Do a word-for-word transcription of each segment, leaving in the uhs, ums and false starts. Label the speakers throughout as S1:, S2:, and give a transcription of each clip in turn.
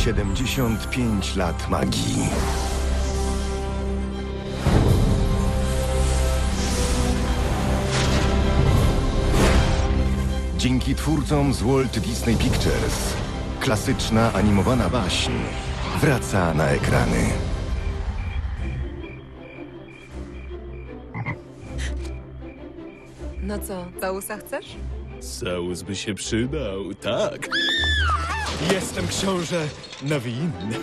S1: siedemdziesiąt pięć lat magii. Dzięki twórcom z Walt Disney Pictures klasyczna animowana baśń wraca na ekrany.
S2: No co, całusa chcesz?
S3: Saus by się przydał, tak. Jestem książę Nawin.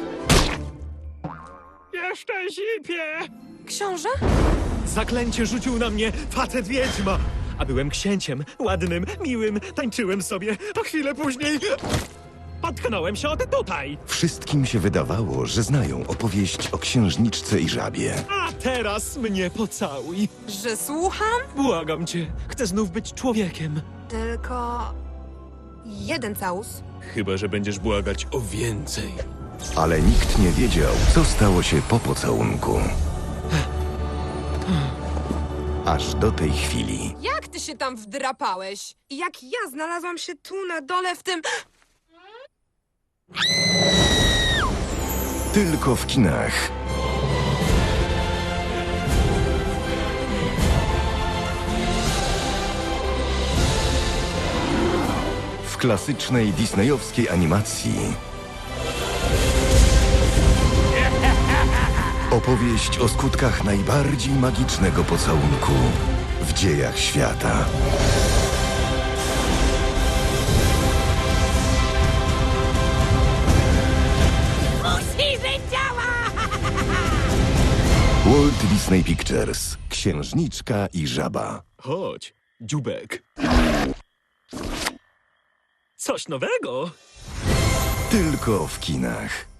S3: Jeszcze zipie!
S2: Książę?
S3: Zaklęcie rzucił na mnie facet wiedźma. A byłem księciem, ładnym, miłym, tańczyłem sobie. A chwilę później potknąłem się od tutaj.
S1: Wszystkim się wydawało, że znają opowieść o księżniczce i żabie.
S3: A teraz mnie pocałuj.
S2: Że słucham?
S3: Błagam cię, chcę znów być człowiekiem.
S2: Tylko... jeden całus.
S3: Chyba że będziesz błagać o więcej.
S1: Ale nikt nie wiedział, co stało się po pocałunku. Aż do tej chwili.
S2: Jak ty się tam wdrapałeś? I jak ja znalazłam się tu na dole w tym...
S1: Tylko w kinach. W klasycznej disneyowskiej animacji. Opowieść o skutkach najbardziej magicznego pocałunku w dziejach świata.
S2: Musi być działa!
S1: Walt Disney Pictures. Księżniczka i żaba.
S3: Chodź, dziubek. Coś nowego.
S1: Tylko w kinach.